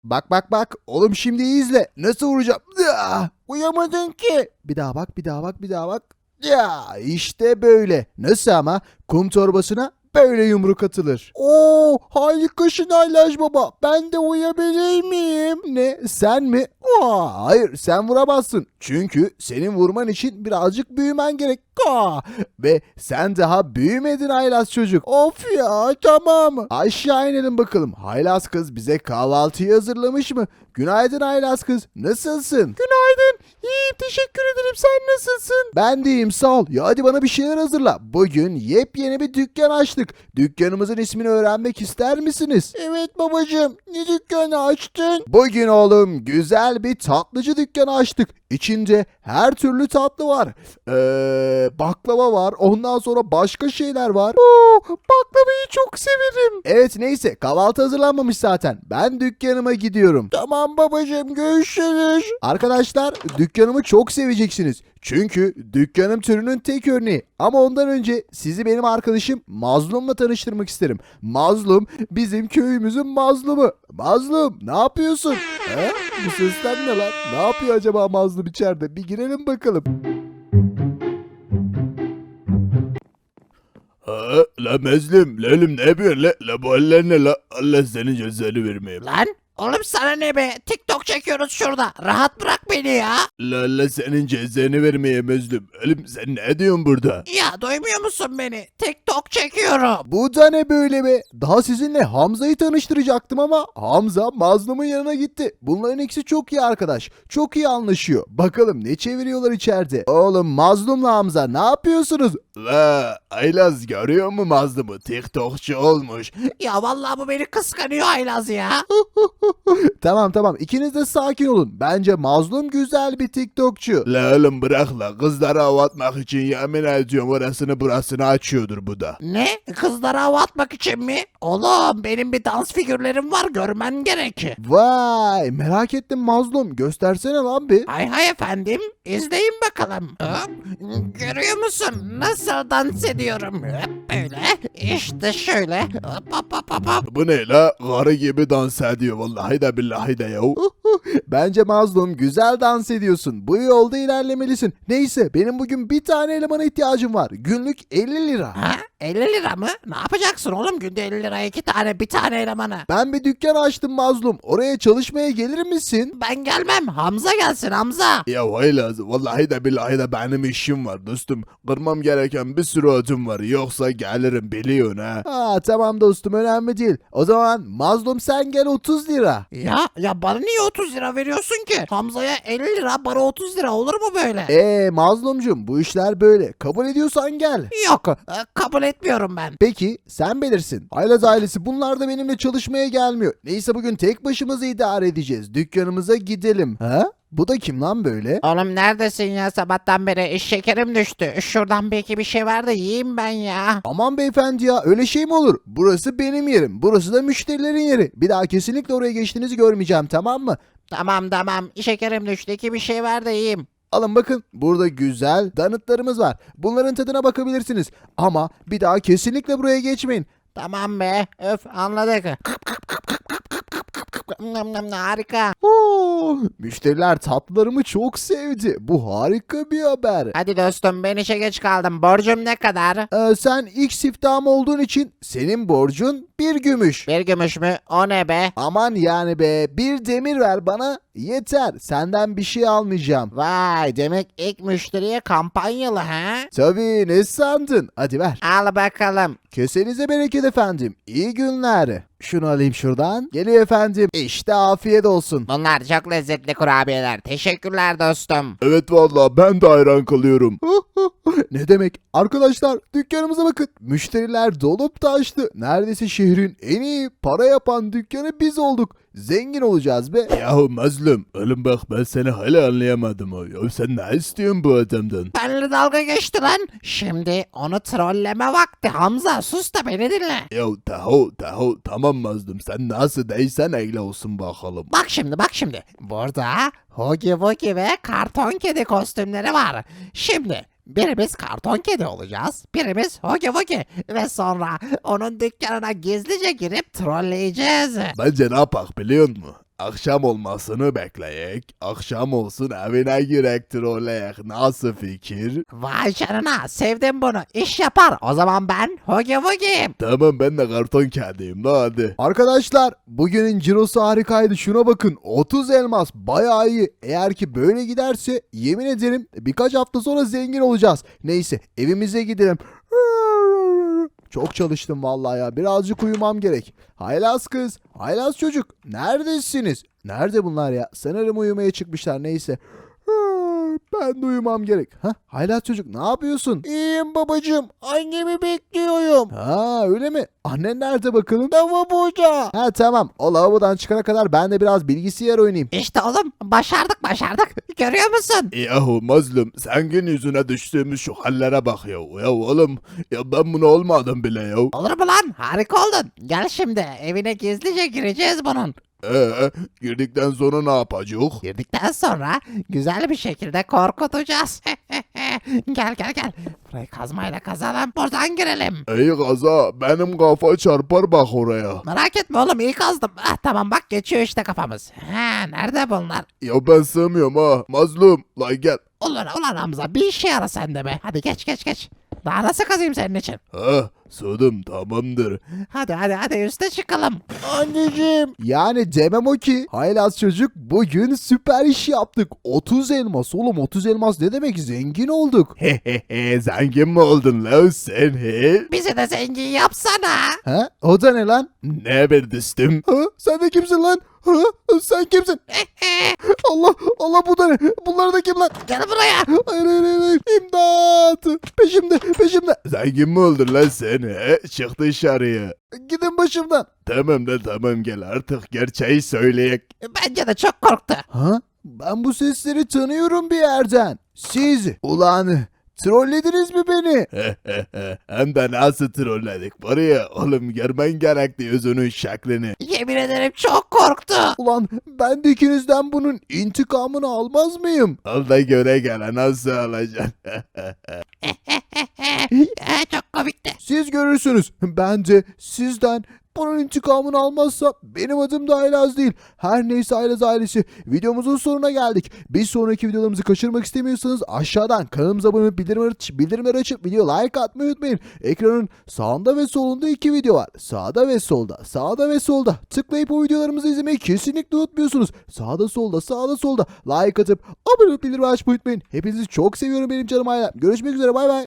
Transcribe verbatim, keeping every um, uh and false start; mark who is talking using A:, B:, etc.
A: Bak bak bak. Oğlum şimdi iyi izle. Nasıl vuracağım? Ya, uyamadın ki. Bir daha bak bir daha bak bir daha bak. Ya işte böyle. Nasıl ama? Kum torbasına böyle yumruk atılır. Oo harikasın Aylaş baba. Ben de uyabilir miyim? Ne sen mi? Aa, hayır sen vuramazsın. Çünkü senin vurman için birazcık büyümen gerek. Aa, ve sen daha büyümedin haylaz çocuk. Of ya tamam. Aşağı inelim bakalım. Haylaz kız bize kahvaltıyı hazırlamış mı? Günaydın haylaz kız. Nasılsın? Günaydın. İyiyim teşekkür ederim. Sen nasılsın? Ben de iyiyim sağ ol. Ya hadi bana bir şeyler hazırla. Bugün yepyeni bir dükkan açtık. Dükkanımızın ismini öğrenmek ister misiniz? Evet babacığım. Ne dükkanı açtın? Bugün oğlum güzel bir tatlıcı dükkanı açtık. İçinde her türlü tatlı var. Ee, baklava var. Ondan sonra başka şeyler var. Oo, baklavayı çok severim. Evet neyse kahvaltı hazırlanmamış zaten. Ben dükkanıma gidiyorum. Tamam babacığım görüşürüz. Arkadaşlar dükkanımı çok seveceksiniz. Çünkü dükkanım türünün tek örneği. Ama ondan önce sizi benim arkadaşım Mazlum'la tanıştırmak isterim. Mazlum bizim köyümüzün mazlumu. Mazlum ne yapıyorsun? He? Bu sesler ne lan? Ne yapıyor acaba Mazlum içeride? Bir girelim bakalım.
B: Ha, la Mezlim, lelim ne yapıyorsun la? La bu eller ne la? Allah senin cezanı vermeyeyim.
C: Lan oğlum sana ne be? TikTok çekiyoruz şurada. Rahat bırak beni ya.
B: La Allah senin cezanı vermeyeyim Mezlim. Oğlum sen ne diyorsun burada?
C: Ya duymuyor musun beni? TikTok çekiyorum.
A: Bu da ne böyle be? Daha sizinle Hamza'yı tanıştıracaktım ama Hamza Mazlum'un yanına gitti. Bunların ikisi çok iyi arkadaş. Çok iyi anlaşıyor. Bakalım ne çeviriyorlar içeride. Oğlum Mazlum'la Hamza ne yapıyorsunuz?
B: La Aylaz görüyor mu Mazlum'u? TikTokçu olmuş.
C: Ya vallahi bu beni kıskanıyor Aylaz ya.
A: Tamam tamam ikiniz de sakin olun. Bence Mazlum güzel bir TikTokçu.
B: La oğlum bırak la. Kızlara hava atmak için yemin ediyorum orasını burasını açıyordur bu da.
C: Ne? Kızlara hava atmak için mi? Oğlum benim bir dans figürlerim var görmen gerek.
A: Vay merak ettim Mazlum. Göstersene lan bir.
C: Hay hay efendim. İzleyin bakalım. Hop. Görüyor musun? Nasıl dans ediyorum? Hop böyle. İşte şöyle. Hop hop hop hop hop.
B: Bu ne la? Karı gibi dans ediyor vallahi de billahi de ya.
A: Bence Mazlum güzel dans ediyorsun. Bu yolda ilerlemelisin. Neyse benim bugün bir tane elemana ihtiyacım var. Günlük elli lira.
C: Ha? elli lira mı? Ne yapacaksın oğlum? Günde elli lira iki tane bir tane elemanı.
A: Ben bir dükkan açtım Mazlum. Oraya çalışmaya gelir misin?
C: Ben gelmem. Hamza gelsin Hamza.
B: Ya Haylaz vallahi de billahi de benim işim var dostum. Kırmam gereken bir sürü ödüm var. Yoksa gelirim biliyorsun ha.
A: Ha tamam dostum önemli değil. O zaman Mazlum sen gel otuz lira.
C: Ya ya bana niye otuz lira veriyorsun ki? Hamza'ya elli lira bana otuz lira olur mu böyle?
A: Eee Mazlumcum bu işler böyle. Kabul ediyorsan gel.
C: Yok e, kabul etmiyorum ben.
A: Peki sen bilirsin. Aylaz ailesi bunlar da benimle çalışmaya gelmiyor. Neyse bugün tek başımıza idare edeceğiz. Dükkanımıza gidelim. Ha? Bu da kim lan böyle?
C: Oğlum neredesin ya sabahtan beri iş şekerim düştü. Şuradan belki bir şey var da yiyeyim ben ya.
A: Aman beyefendi ya öyle şey mi olur? Burası benim yerim. Burası da müşterilerin yeri. Bir daha kesinlikle oraya geçtiğinizi görmeyeceğim tamam mı?
C: Tamam tamam şekerim düştü ki bir şey var da yiyeyim.
A: Alın bakın burada güzel donutlarımız var. Bunların tadına bakabilirsiniz. Ama bir daha kesinlikle buraya geçmeyin.
C: Tamam be öf anladık. Nam nam nam, harika.
A: Oo, müşteriler tatlılarımı çok sevdi. Bu harika bir haber.
C: Hadi dostum ben işe geç kaldım. Borcum ne kadar?
A: Ee, sen ilk siftahım olduğun için senin borcun bir gümüş.
C: Bir gümüş mü? O ne be?
A: Aman yani be bir demir ver bana yeter. Senden bir şey almayacağım.
C: Vay demek ilk müşteriye kampanyalı ha?
A: Tabii ne sandın? Hadi ver.
C: Al bakalım.
A: Kesenize bereket efendim. İyi günler. Şunu alayım şuradan. Geliyor efendim. İşte afiyet olsun.
C: Bunlar çok lezzetli kurabiyeler. Teşekkürler dostum.
B: Evet vallahi ben de hayran kalıyorum.
A: Ne demek? Arkadaşlar dükkanımıza bakın. Müşteriler dolup taştı. Neredeyse şehrin en iyi para yapan dükkanı biz olduk. Zengin olacağız be.
B: Yahu Mazlum oğlum bak ben seni hala anlayamadım o. Ya sen ne istiyorsun bu adamdan?
C: Benle dalga geçti lan. Şimdi onu trolleme vakti. Hamza sus da beni dinle.
B: Ya tahu tahu tamam Mazlum sen nasıl değilsen öyle olsun bakalım.
C: Bak şimdi bak şimdi. Burada Huggy Wuggy ve karton kedi kostümleri var. Şimdi birimiz karton kedi olacağız. Birimiz Huggy Wuggy. Ve sonra onun dükkanına gizlice girip trolleyeceğiz.
B: Bence ne yapak biliyor musun? akşam olmasını bekleyek. Akşam olsun evine girek trolleyek. Nasıl fikir?
C: Vay canına sevdim bunu. İş yapar. O zaman ben Hugi Wugi'yim.
B: Tamam ben de karton kediyim la hadi.
A: Arkadaşlar bugünün cirosu harikaydı. Şuna bakın, otuz elmas bayağı iyi. Eğer ki böyle giderse yemin ederim birkaç hafta sonra zengin olacağız. Neyse evimize gidelim. Çok çalıştım vallahi ya. Birazcık uyumam gerek. Haylaz kız, haylaz çocuk. Neredesiniz? Nerede bunlar ya? Sanırım uyumaya çıkmışlar. Neyse. Ben de uyumam gerek. Ha, haylaz çocuk ne yapıyorsun? İyiyim babacığım. Annemi bekliyorum. Ha öyle mi? Annen nerede bakalım? Lavaboda. Ha tamam. O lavabodan çıkana kadar ben de biraz bilgisayar oynayayım.
C: İşte oğlum başardık başardık. Görüyor musun?
B: Yahu mazlum sen gün yüzüne düştüğümüz şu hallere bak ya. Ya oğlum ya ben bunu olmadım bile ya.
C: Olur mu lan? Harika oldun. Gel şimdi evine gizlice gireceğiz bunun.
B: Ee, girdikten sonra ne yapacağız?
C: Girdikten sonra güzel bir şekilde korkutacağız. Gel gel gel. Burayı kazmayla kazalım. Buradan girelim.
B: Ey kaza benim kafa çarpar bak oraya.
C: Merak etme oğlum iyi kazdım. Ah, tamam bak geçiyor işte kafamız. Ha, nerede bunlar?
B: Ya ben sığmıyorum ha. Mazlum la gel.
C: Ulan ulan Hamza bir işe yara sen de be. Hadi geç geç geç. Daha nasıl kazayım senin için?
B: Ha sığdım tamamdır.
C: Hadi hadi hadi üste çıkalım.
A: Anneciğim. Yani demem o ki haylaz çocuk bugün süper iş yaptık. otuz elmas oğlum, otuz elmas ne demek, zengin olduk.
B: Hehehe zengin mi oldun lan sen he?
C: Bizi de zengin yapsana.
A: Ha? O da ne lan?
B: Ne bir düştüm?
A: Ha? Sen de kimsin lan? Ha? Sen kimsin? Allah Allah, bu da ne? Bunlar da kim lan?
C: Gel buraya.
A: Hayır hayır hayır, hayır. İmdat. Peşimde peşimde.
B: Zengin mi oldun lan sen he? Çık dışarıya.
A: Gidin başımdan.
B: Tamam da tamam gel artık gerçeği söyleyek.
C: Bence de çok korktu.
A: Ha? Ben bu sesleri tanıyorum bir yerden. Siz ulan trollediniz mi beni?
B: Hem de nasıl trolledik var ya oğlum görmen gerekti yüzünün şeklini.
C: Yemin ederim çok korktu.
A: Ulan ben de ikinizden bunun intikamını almaz mıyım?
B: Al da göre gele nasıl alacaksın?
C: Ee, çok komikti.
A: Siz görürsünüz. Ben de sizden bunun intikamını almazsa benim adım da Aylaz değil. Her neyse Aylaz ailesi, videomuzun sonuna geldik. Bir sonraki videolarımızı kaçırmak istemiyorsanız aşağıdan kanalımıza abone olup bildirimleri, aç- bildirimleri açıp video like atmayı unutmayın. Ekranın sağında ve solunda iki video var. Sağda ve solda, sağda ve solda. Tıklayıp o videolarımızı izlemeyi kesinlikle unutmuyorsunuz. Sağda solda, sağda solda like atıp abone olup bildirimleri açmayı unutmayın. Hepinizi çok seviyorum benim canım ailem. Görüşmek üzere, bay bay.